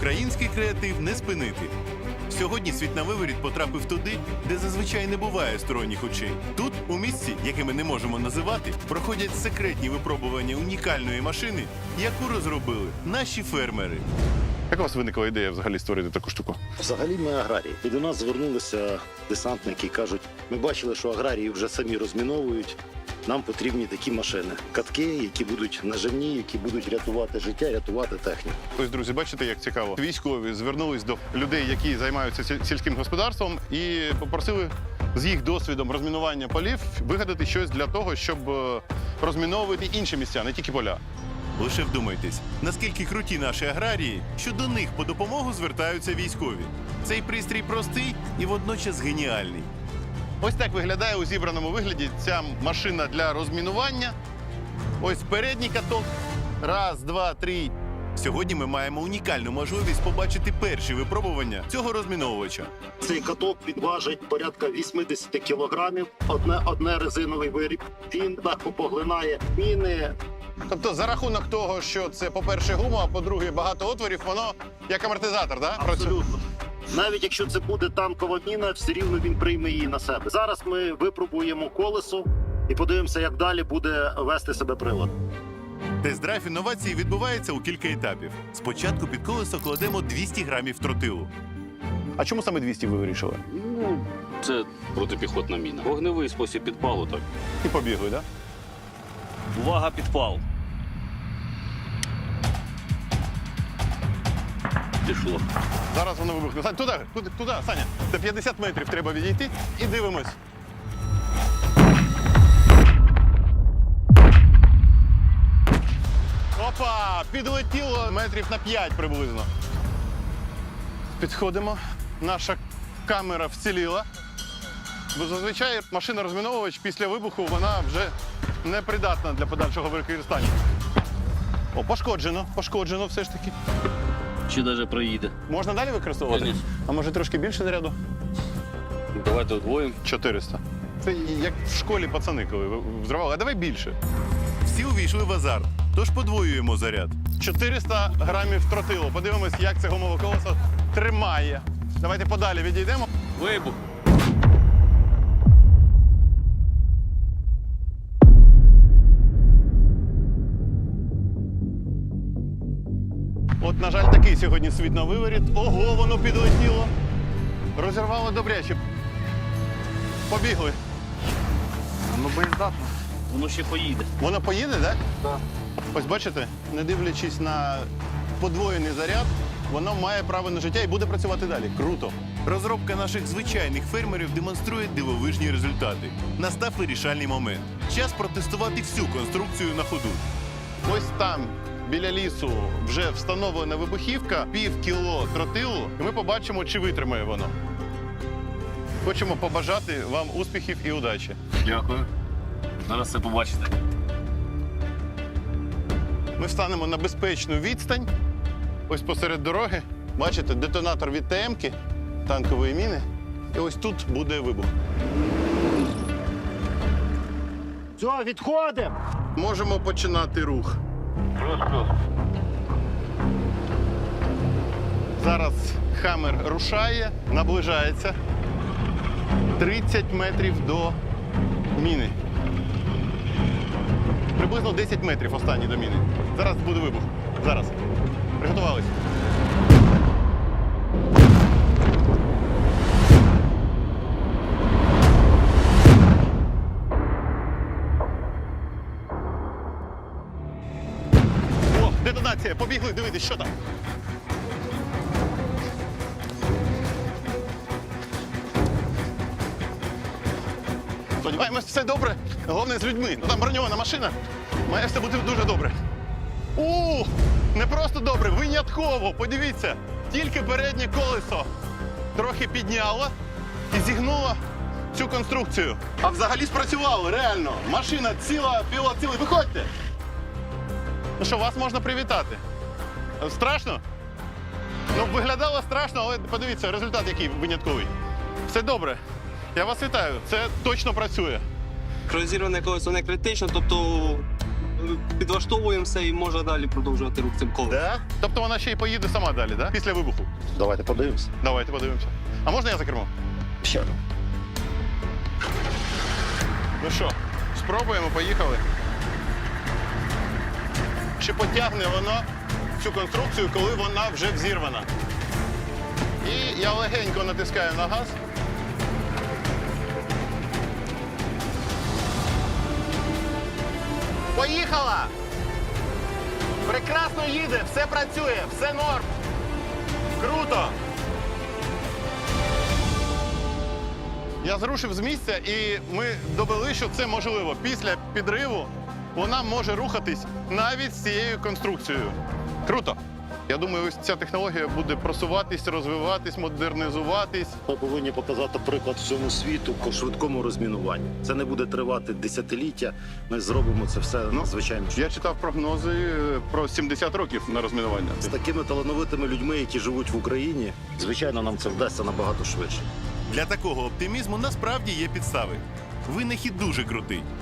Український креатив не спинити. Сьогодні світ на виворіт потрапив туди, де зазвичай не буває сторонніх очей. Тут, у місці, яке ми не можемо називати, проходять секретні випробування унікальної машини, яку розробили наші фермери. Як у вас виникла ідея взагалі створити таку штуку? Взагалі ми аграрії. І до нас звернулися десантники і кажуть, ми бачили, що аграрії вже самі розміновують, нам потрібні такі машини. Катки, які будуть наживні, які будуть рятувати життя, рятувати техніку. Ось, друзі, бачите, як цікаво. Військові звернулись до людей, які займаються сільським господарством, і попросили з їх досвідом розмінування полів вигадати щось для того, щоб розміновувати інші місця, не тільки поля. Лише вдумайтесь, наскільки круті наші аграрії, що до них по допомогу звертаються військові. Цей пристрій простий і водночас геніальний. Ось так виглядає у зібраному вигляді ця машина для розмінування. Ось передній каток. Раз, два, три. Сьогодні ми маємо унікальну можливість побачити перші випробування цього розміновувача. Цей каток підважить порядка 80 кілограмів, одне резиновий виріб. Він легко поглинає міни. Тобто за рахунок того, що це, по-перше, гума, а по-друге, багато отворів, воно як амортизатор, да? Абсолютно. Навіть якщо це буде танкова міна, все рівно він прийме її на себе. Зараз ми випробуємо колесо і подивимося, як далі буде вести себе прилад. Тест-драйв інновації відбувається у кілька етапів. Спочатку під колесо кладемо 200 грамів тротилу. А чому саме 200 ви вирішили? Ну, це протипіхотна міна. Вогневий спосіб підпалу, так. І побігли, так? Да? Увага, підпал. Пішло. Зараз воно вибухне. Сань, туди, Саня. До 50 метрів треба відійти і дивимось. Опа! Підлетіло метрів на 5 приблизно. Підходимо. Наша камера вціліла. Бо зазвичай машина-розміновувач після вибуху, вона вже непридатна для подальшого використання. О, пошкоджено все ж таки. Чи навіть проїде. Можна далі використовувати? Конечно. А може трошки більше заряду? Давайте удвоїмо. 400. Це як в школі пацани, коли взривали. А давай більше. Всі увійшли в азарт, тож подвоюємо заряд. 400 грамів тротилу. Подивимось, як це гумове колесо тримає. Давайте подалі відійдемо. Вибух. От, на жаль, такий сьогодні світ на виворіт. Ого, воно підлетіло. Розірвало добряче. Побігли. Ну, боєздатно. Воно ще поїде. Воно поїде, так? Так. Ось бачите, не дивлячись на подвоєний заряд, воно має право на життя і буде працювати далі. Круто. Розробка наших звичайних фермерів демонструє дивовижні результати. Настав вирішальний момент. Час протестувати всю конструкцію на ходу. Ось там, біля лісу, вже встановлена вибухівка, пів кіло тротилу, і ми побачимо, чи витримає воно. Хочемо побажати вам успіхів і удачі. Дякую. Зараз все побачите. Ми встанемо на безпечну відстань, ось посеред дороги. Бачите, детонатор від ТМ-ки, танкової міни. І ось тут буде вибух. Все, відходимо! Можемо починати рух. Плюс-плюс. Зараз Хаммер рушає, наближається. 30 метрів до міни. Приблизно 10 метрів останній до міни. Зараз буде вибух. Зараз. Приготувались. О, детонація. Побігли дивитись, що там. Сподіваємось, все добре. Головне з людьми. Ну там броньована машина. Має все бути дуже добре. Не просто добре, винятково. Подивіться, тільки переднє колесо трохи підняло і зігнуло цю конструкцію. А взагалі спрацювало, реально. Машина ціла, пілот цілий. Виходьте. Ну що, вас можна привітати. Страшно? Ну, виглядало страшно, але подивіться, результат який винятковий. Все добре. Я вас вітаю. Це точно працює. Розірване колесо не критично, тобто підлаштовуємося і можна далі продовжувати рух цим колесом. Да? Тобто вона ще й поїде сама далі, да? Після вибуху. Давайте подивимося. Давайте подивимося. А можна я за кермо? Ще. Ну що, спробуємо, поїхали. Чи потягне воно цю конструкцію, коли вона вже взірвана? І я легенько натискаю на газ. Поїхала! Прекрасно їде, все працює, все норм. Круто! Я зрушив з місця, і ми довели, що це можливо. Після підриву вона може рухатись навіть з цією конструкцією. Круто! Я думаю, ось ця технологія буде просуватись, розвиватись, модернізуватись. Ми повинні показати приклад всьому світу по швидкому розмінуванню. Це не буде тривати десятиліття. Ми зробимо це все надзвичайно швидко. Я читав прогнози про 70 років на розмінування. З такими талановитими людьми, які живуть в Україні, звичайно, нам це вдасться набагато швидше. Для такого оптимізму насправді є підстави. Винахід дуже крутий.